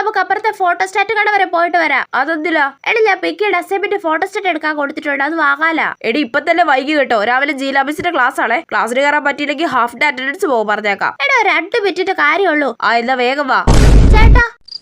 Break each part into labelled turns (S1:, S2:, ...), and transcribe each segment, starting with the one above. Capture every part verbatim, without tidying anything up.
S1: നമുക്ക് അപ്പുറത്തെ ഫോട്ടോസ്റ്റാറ്റ് കട വരെ പോയിട്ട് വരാം. അതൊന്നില്ല എടി ഞാൻ പിക്കിയുടെ അസൈൻമെന്റ് ഫോട്ടോസ്റ്റാറ്റ് എടുക്കാൻ കൊടുത്തിട്ടുണ്ട്, അത് വാങ്ങാല. എടി ഇപ്പൊ തന്നെ വൈകി കേട്ടോ, രാവിലെ ജീലാ മിസ്സിന്റെ ക്ലാസ് ആണേ. ക്ലാസ്സിന് കയറാൻ പറ്റിയില്ലെങ്കിൽ ഹാഫ് ഡേ അറ്റൻഡൻസ് പോകും പറഞ്ഞേക്കാം. എടാ രണ്ട് മിനിറ്റിന്റെ കാര്യമുള്ളൂ. ആ എന്നാ വേഗം വാ. ചേട്ടാ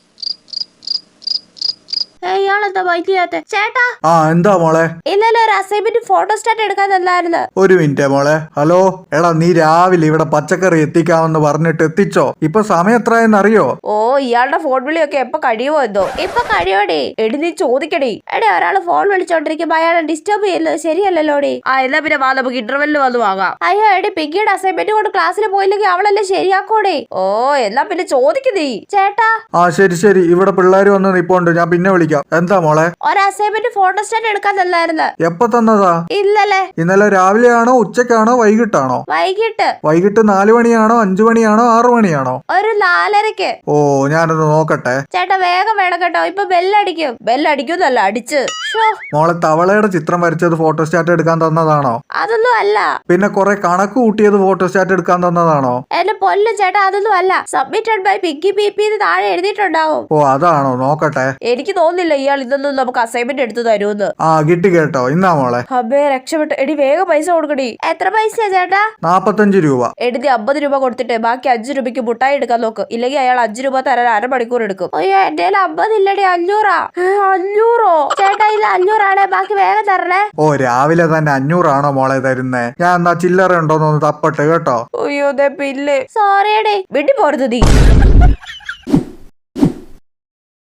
S1: ഇയാളെന്താ വൈകിയാത്തെ? ചേട്ടാ
S2: ആ എന്താ മോളെ?
S1: ഇന്നലെ ഒരു അസൈൻമെന്റ് ഫോട്ടോസ്റ്റാറ്റ് എടുക്കാൻ തന്നായിരുന്നു.
S2: ഒരു മിനിറ്റ് മോളെ. ഹലോ എടാ, നീ രാവിലെ ഇവിടെ പച്ചക്കറി എത്തിക്കാമെന്ന് പറഞ്ഞിട്ട് എത്തിച്ചോ? ഇപ്പൊ സമയം എത്രയെന്ന് അറിയോ?
S1: ഓ ഇയാളുടെ ഫോൺ വിളിയൊക്കെ എപ്പൊ കഴിയുമോ എന്തോ. ഇപ്പൊ കഴിയോടേ. എടി നീ ചോദിക്കടി. എടി ഒരാള് ഫോൺ വിളിച്ചോണ്ടിരിക്കുമ്പോ അയാളെ ഡിസ്റ്റർബ് ചെയ്യുന്നത് ശരിയല്ലല്ലോടി. ആ എന്നാ പിന്നെ വാ, നമുക്ക് ഇന്റർവെല്ലിൽ വന്ന് വാങ്ങാം. അയ്യോ എടി പിക്കിയുടെ അസൈൻമെന്റ് കൊണ്ട് ക്ലാസ്സിൽ പോയില്ലെങ്കിൽ അവളല്ലേ ശരിയാക്കോടെ. ഓ എന്നാ പിന്നെ ചോദിക്കുന്നേ. ചേട്ടാ
S2: ആ ശരി ശരി, ഇവിടെ പിള്ളേര് വന്ന് നിപ്പോണ്ട്, ഞാൻ പിന്നെ വിളിക്കാം. എന്താ മോളെ?
S1: ഒരു അസൈൻമെന്റ് ഫോട്ടോസ്റ്റാറ്റ് എടുക്കാൻ തന്നായിരുന്നു.
S2: എപ്പോ തന്നതാ?
S1: ഇന്നലെ.
S2: ഇന്നലെ രാവിലെയാണോ ഉച്ചക്കാണോ വൈകിട്ടാണോ?
S1: വൈകിട്ട്.
S2: വൈകിട്ട് നാലു മണിയാണോ അഞ്ചു മണിയാണോ ആറു മണിയാണോ?
S1: ഒരു നാലരക്ക്.
S2: ഓ ഞാനൊന്ന് നോക്കട്ടെ.
S1: ചേട്ടാ വേഗം വേണം കേട്ടോ, ഇപ്പൊ ബെല്ലടിക്കും. ബെല്ലടിക്കുന്നല്ല അടിച്ച്.
S2: മോളെ തവളയുടെ ചിത്രം വരച്ചത് ഫോട്ടോസ്റ്റാറ്റ് എടുക്കാൻ തന്നതാണോ?
S1: അതൊന്നും അല്ല.
S2: പിന്നെ കുറെ കണക്ക് കൂട്ടിയത് ഫോട്ടോസ്റ്റാറ്റ് എടുക്കാൻ തന്നതാണോ?
S1: എന്റെ പൊല്ലും ചേട്ടാ അതൊന്നും അല്ല. സബ്മിറ്റഡ് ബൈ പിക്കി പി പി താഴെ എഴുതിയിട്ടുണ്ടാവും.
S2: ഓ അതാണോ? നോക്കട്ടെ.
S1: എനിക്ക് തോന്നുന്നില്ല ഇയാൾ ഇതൊന്നും നമുക്ക് അസൈൻമെന്റ് എടുത്തു തരുമെന്ന്.
S2: ആ കിട്ടി കേട്ടോ. ഇന്നാ മോളെ.
S1: അബേ രക്ഷപ്പെട്ടു. എടി വേഗം പൈസ കൊടുക്കടി. എത്ര പൈസയാ ചേട്ടാ?
S2: നാപ്പത്തഞ്ച് രൂപ.
S1: എഴുതി അമ്പത് രൂപ കൊടുത്തിട്ട് ബാക്കി അഞ്ചു രൂപയ്ക്ക് മുട്ടായി എടുക്കാൻ നോക്ക്. ഇല്ലെങ്കിൽ അയാൾ അഞ്ചു രൂപ തരാൻ അരമണിക്കൂർ എടുക്കും. അയ്യോ എന്റെ അമ്പത് ഇല്ലടി, അഞ്ഞൂറാ. അഞ്ഞൂറോ? ചേട്ടാ ഇത് അഞ്ഞൂറാണേ, ബാക്കി വേഗം തരണേ.
S2: ഓ രാവിലെ തന്നെ അഞ്ഞൂറാണോ മോളെ തരുന്നേ? ഞാൻ എന്നാ ചില്ലറ ഉണ്ടോന്നൊന്ന് തപ്പട്ടെ കേട്ടോ.
S1: അയ്യോ പില്ല്. സോറിയടേ, വിട്ടു പോരുത് നീ.